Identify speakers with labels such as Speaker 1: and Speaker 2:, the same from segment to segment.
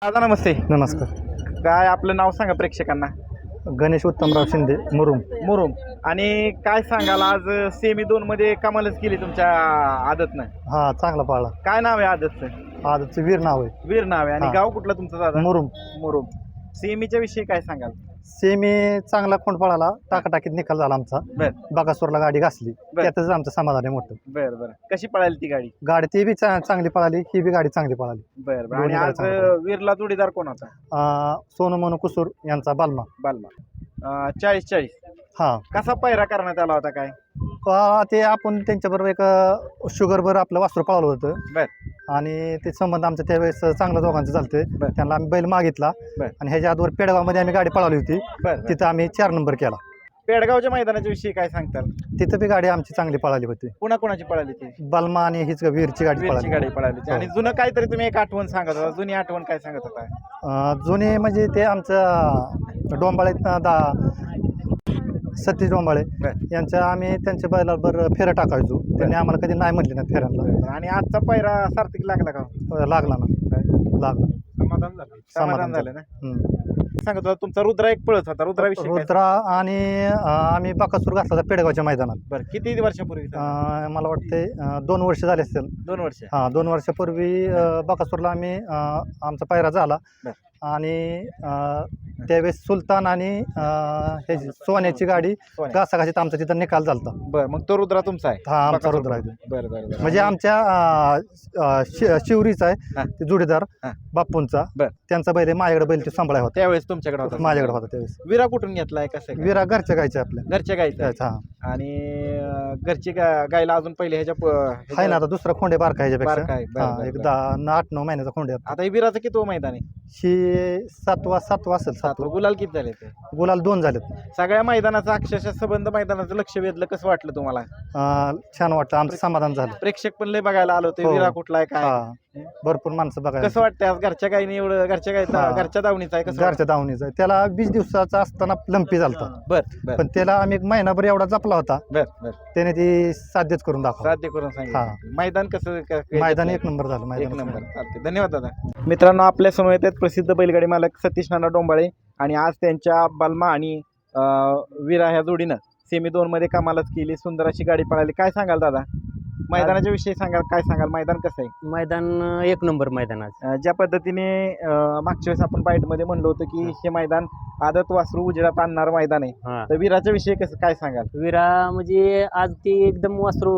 Speaker 1: दादा नमस्ते.
Speaker 2: नमस्कार.
Speaker 1: काय आपलं नाव सांगा प्रेक्षकांना.
Speaker 2: गणेश उत्तमराव शिंदे मुरुम.
Speaker 1: मुरुम. आणि काय सांगाल आज सेमी 2 मध्ये कमालच केली तुमच्या आदतनं.
Speaker 2: हा चांगला पाळला.
Speaker 1: काय नाव आहे आदतचं?
Speaker 2: आजचं वीर नाव आहे.
Speaker 1: वीर नाव आहे. आणि
Speaker 2: हा.
Speaker 1: गाव कुठलं तुमचं दादा?
Speaker 2: मुरुम.
Speaker 1: मुरुम. सेमीच्या विषयी काय सांगाल?
Speaker 2: सेमी चांगला खोंड पळाला. टाकाटाकीत निकाल झाला आमचा.
Speaker 1: बर
Speaker 2: बकासूरला गाडी घासली.
Speaker 1: बर.
Speaker 2: त्यातच आमचं समाधान आहे मोठं.
Speaker 1: बर बर. कशी पळाली ती गाडी?
Speaker 2: गाडी ती बी चांगली पळाली, ही बी गाडी चांगली पळाली.
Speaker 1: बर बर. आणि
Speaker 2: दोन्ही गाड्या
Speaker 1: आज
Speaker 2: चांगल्या पळाल्या.
Speaker 1: वीरला जोडीदार कोण होता?
Speaker 2: सोनू मनू कुसूर यांचा बालमा.
Speaker 1: बालमा. 40-40.
Speaker 2: हा
Speaker 1: कसा पायरा करण्यात आला होता काय?
Speaker 2: ते आपण त्यांच्याबरोबर एक शुगरभर आपलं वासरू पळालं होतं.
Speaker 1: बर
Speaker 2: आणि ते संबंध आमचं त्यावेळेस चांगलं दोघांचं चालतंय.
Speaker 1: बर.
Speaker 2: त्यांना आम्ही बैल मागितला.
Speaker 1: बर.
Speaker 2: आणि ह्याच्या आधीवर पेडगावमध्ये आम्ही गाडी पळवली होती.
Speaker 1: बर बर.
Speaker 2: तिथं आम्ही 4 नंबर केला.
Speaker 1: पेडगावच्या मैदानाच्या विषयी काय सांगताल?
Speaker 2: तिथं बी गाडी आमची चांगली पळाली होती.
Speaker 1: पुन्हा कोणाची पळाली ती?
Speaker 2: बलमा आणि हीच वीरची गाडी
Speaker 1: वीरची
Speaker 2: पळाली.
Speaker 1: गाडी पळाली. आणि जुनं काहीतरी तुम्ही एक आठवण सांगत होता. जुनी आठवण काय सांगत होता?
Speaker 2: जुने म्हणजे ते आमचं डोंबाळे सतीश डोंबाळे
Speaker 1: बर.
Speaker 2: यांच्या आम्ही त्यांच्या बैलावर फेरं टाकायचो. त्यांनी आम्हाला कधी नाही म्हटले ना फेऱ्यांना.
Speaker 1: आणि आजचा पायरा सार्थक लागला का?
Speaker 2: लागला ना. लागला.
Speaker 1: समाधान झालं. समाधान झालं ना.
Speaker 2: हम्म.
Speaker 1: सांगत होता तुमचा रुद्रा एक पळत होता. रुद्राविषयी काय?
Speaker 2: रुद्रा आणि आम्ही बकासूर घातला होता पेडगावच्या मैदानात.
Speaker 1: बरं किती वर्षापूर्वी?
Speaker 2: मला वाटते 2 वर्ष झाले असतील.
Speaker 1: 2 वर्ष.
Speaker 2: हां 2 वर्षापूर्वी बकासूरला आम्ही आमचा पायरा झाला.
Speaker 1: बर.
Speaker 2: आणि त्यावेळेस सुलतान आणि हे सोन्याची गाडी
Speaker 1: सोन्या.
Speaker 2: घासाघाशीत आमचा तिथं निकाल झालता.
Speaker 1: बरं मग तो रुद्रा तुमचा आहे?
Speaker 2: हा आमचा
Speaker 1: बकासूर.
Speaker 2: रुद्र आहे.
Speaker 1: बरं बरं बरं.
Speaker 2: म्हणजे आमच्या शिवरीचा
Speaker 1: हा.
Speaker 2: आहे ते जोडीदार
Speaker 1: हा.
Speaker 2: बाप्पूंचा.
Speaker 1: बर.
Speaker 2: त्यांचा बैल आहे, माझ्याकडे बैल ते सांभाळा होता.
Speaker 1: त्यावेळेस तुमच्याकडे होता?
Speaker 2: माझ्याकडे होता त्यावेळेस.
Speaker 1: विरा कुठून घेतलाय? कसं काय?
Speaker 2: विरा घरच्या गायचे आपल्या.
Speaker 1: घरच्या गाईचा आहे.
Speaker 2: हा
Speaker 1: आणि घरची गायला अजून पहिले
Speaker 2: आहे ना. आता दुसरा खोंडे बारका ह्याच्यापेक्षा.
Speaker 1: बारका आहे. बरं,
Speaker 2: हा
Speaker 1: बरं,
Speaker 2: एक
Speaker 1: बरं.
Speaker 2: 8-9 महिन्याचा खोंडे आहे.
Speaker 1: आता हे विराचं किती मैदान आहे?
Speaker 2: ही 7वा असेल. 7
Speaker 1: गुलाल किती झाले ते?
Speaker 2: गुलाल 2 झालेत.
Speaker 1: सगळ्या मैदानाचं अक्षरशः संबंध मैदानाचं लक्ष वेधलं. कसं वाटलं तुम्हाला?
Speaker 2: छान वाटतं. आमचं समाधान झालं.
Speaker 1: प्रेक्षक पण लय बघायला आलो होते.
Speaker 2: हो.
Speaker 1: विरा कुठला आहे काय?
Speaker 2: हा भरपूर माणसं बघायला.
Speaker 1: कसं वाटतंय आज घरच्या गाईने एवढं? घरच्या गाई
Speaker 2: हा.
Speaker 1: घरच्या दावणीचा आहे. कसं
Speaker 2: घरच्या दावणीचा आहे. त्याला 20 दिवसाचा असताना लंपी झालता.
Speaker 1: बर बर
Speaker 2: पण त्याला आम्ही एक महिनाभर एवढा जपला होता.
Speaker 1: बर बर.
Speaker 2: त्याने ती साध्यच करून दाखवला.
Speaker 1: साध्य करून सांगितलं. मैदान कसं
Speaker 2: मैदान 1 नंबर झालं.
Speaker 1: एक
Speaker 2: मैदान
Speaker 1: नंबर. चालते. धन्यवाद दादा. मित्रांनो आपल्या समोर येतात प्रसिद्ध बैलगाडी मालक सतीश नाना डोंबाळे. आणि आज त्यांच्या बलमा आणि विरा ह्या जोडीनं सेमी 2 मध्ये कमालच केली. सुंदर अशी गाडी पळाली. काय सांगाल दादा मैदानाच्या विषयी? सांगाल काय सांगाल? मैदान कसं आहे?
Speaker 3: मैदान 1 नंबर मैदान आज.
Speaker 1: ज्या पद्धतीने मागच्या वेळेस आपण बाईटमध्ये म्हणलो होतं की हे मैदान आदत वासरू उजेडात आणणार मैदान आहे.
Speaker 3: हा.
Speaker 1: तर विराच्या विषयी कसं काय सांगाल?
Speaker 3: विरा म्हणजे आज ती एकदम वासरू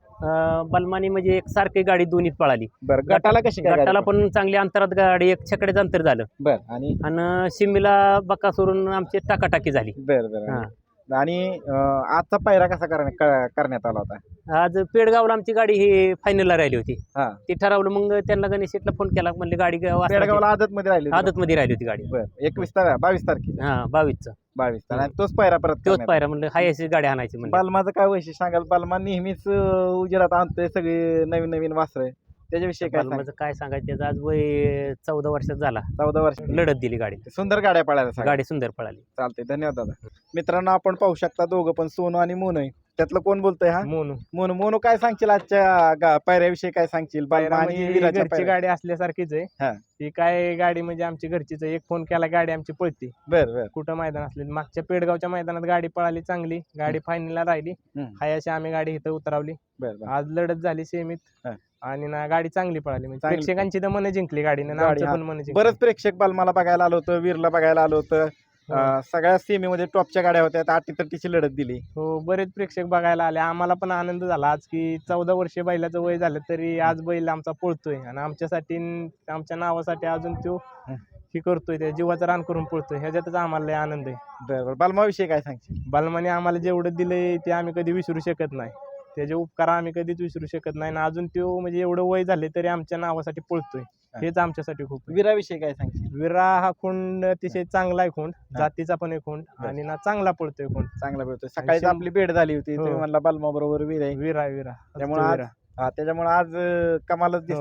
Speaker 3: बलमानी म्हणजे एक सारखी गाडी दोन्हीत पळाली.
Speaker 1: बरं गटाला कशी काय
Speaker 3: गटाला
Speaker 1: गाडी?
Speaker 3: पण चांगली अंतरात गाडी 1 छकड्याचं अंतर झालं.
Speaker 1: बर. आणि
Speaker 3: आणि शिमीला बकासूरून आमची टाकाटाकी झाली.
Speaker 1: बर बर.
Speaker 3: हा.
Speaker 1: आणि आजचा पायरा कसा करण्यात आला होता?
Speaker 3: आज पेडगावला आमची गाडी ही फायनलला राहिली होती.
Speaker 1: हा.
Speaker 3: ती ठरवलं. मग त्यांना गणेश शेटला फोन केला. म्हणले गाडी
Speaker 1: पेडगावला आदत मध्ये राहिली होती?
Speaker 3: आदत मध्ये राहिली होती गाडी.
Speaker 1: बर. 22 तारखेला.
Speaker 3: हा 22चा
Speaker 1: 22 तारखेला. आणि तोच पायरा परत
Speaker 3: तोच
Speaker 1: करण्यात
Speaker 3: पायरा म्हणलं हाय अशी गाडी आणायची म्हणलं.
Speaker 1: बालमाचं काय वैशिष्ट्य सांगाल? बालमा नेहमीच उजेडात आणतोय सगळे नवीन नवीन वासरं. त्याच्याविषयी काय सांगाल?
Speaker 3: बलमाचं काय सांगायचं? त्याचं आज वय 14 वर्षात झाला.
Speaker 1: 14 वर्ष.
Speaker 3: लढत दिली गाडी.
Speaker 1: सुंदर गाड्या पळायला सांगा.
Speaker 3: गाडी सुंदर पळाली.
Speaker 1: चालते. धन्यवाद दादा. मित्रांनो आपण पाहू शकता दोघं पण सोनू आणि मोनू आहे. त्यातलं कोण बोलतोय? हा
Speaker 4: मोनू.
Speaker 1: मोनू. मोनू काय सांगशील आजच्या पायऱ्याविषयी? काय सांगशील? बालमा आणि
Speaker 4: म्हणजे
Speaker 1: विराच्या
Speaker 4: घरची
Speaker 1: पायऱ्या.
Speaker 4: गाडी असल्यासारखीच
Speaker 1: हा.
Speaker 4: आहे. ती काय गाडी म्हणजे आमची घरचीच आहे. एक फोन केला गाडी आमची पळती.
Speaker 1: बर बर.
Speaker 4: कुठं मैदान असले. मागच्या पेडगावच्या मैदानात गाडी पळाली चांगली. गाडी फायनलला राहिली.
Speaker 1: हम्म.
Speaker 4: हायाशी आम्ही गाडी इथं उतरवली.
Speaker 1: बर बर.
Speaker 4: आज लढत झाली सेमीत.
Speaker 1: हा.
Speaker 4: आणि ना गाडी चांगली पळाली. म्हणजे
Speaker 1: चांगली
Speaker 4: प्रेक्षकांची तर मन जिंकली गाडीने. आणि
Speaker 1: गाडी,
Speaker 4: आमचं
Speaker 1: हा.
Speaker 4: पण मन जिंकली.
Speaker 1: बरंच प्रेक्षक बालमाला बघायला आलं होतं. वीरला बघायला आलं होतं. सगळ्या सेमीमध्ये टॉपच्या गाड्या होत्या. 80-30ची लढत दिली.
Speaker 4: हो बरेच प्रेक्षक बघायला आले. आम्हाला पण आनंद झाला आज की 14 वर्षे बैलाचं वय झालं तरी आज बैल आमचा पळतोय. आणि आमच्यासाठी आमच्या नावासाठी अजून तो हे करतोय. त्या जीवाचं रान करून पळतोय. ह्याच्यातच आम्हाला लय आनंद आहे.
Speaker 1: बरं बरं. बालमाविषयी काय सांगशील?
Speaker 4: बालमाने आम्हाला जेवढं दिलंय ते आम्ही कधी विसरू शकत नाही. त्याचे उपकार आम्ही कधीच विसरू शकत नाही. आणि अजून तो म्हणजे एवढं वय झाले तरी आमच्या नावासाठी पळतोय. हेच आमच्यासाठी खूप आहे.
Speaker 1: विराविषयी काय सांगशील?
Speaker 4: विरा हा खोंड अतिशय चांगला आहे. खोंड जातीचा पण आहे खोंड. आणि ना चांगला पळतोय खोंड.
Speaker 1: चांगला भेटतोय. सकाळीच आपली भेट झाली होती. तुम्ही म्हणला बालमा बरोबर वीर आहे.
Speaker 4: विरा विरा
Speaker 1: त्यामुळे आज त्याच्यामुळे आज कमालच दिसते.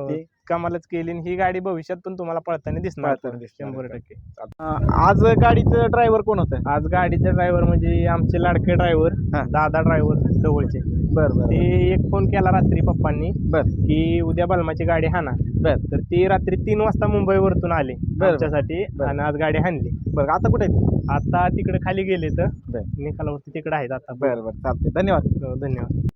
Speaker 4: कमालच केली आणि ही गाडी भविष्यात पण तुम्हाला पळताना दिसणार
Speaker 1: पळताना दिसणार.
Speaker 4: 100%.
Speaker 1: आज गाडीचं ड्रायव्हर कोण होतं?
Speaker 4: आज गाडीचे ड्रायव्हर म्हणजे आमचे लाडके ड्रायव्हर
Speaker 1: हा.
Speaker 4: दादा ड्रायव्हर जवळचे.
Speaker 1: बरं
Speaker 4: ते एक फोन केला रात्री पप्पांनी
Speaker 1: बरं
Speaker 4: की उद्या बलमाची गाडी हाना.
Speaker 1: बर.
Speaker 4: तर ती रात्री 3 वाजता मुंबईवरतून आले
Speaker 1: बर.
Speaker 4: आमच्यासाठी
Speaker 1: बर.
Speaker 4: आणि आज गाडी हाणली.
Speaker 1: बरं आता कुठे आहेत?
Speaker 4: आता तिकडे खाली गेले तर
Speaker 1: बर.
Speaker 4: निकालावरती तिकडे आहेत आता.
Speaker 1: बरं बरं चालते, धन्यवाद.
Speaker 4: धन्यवाद.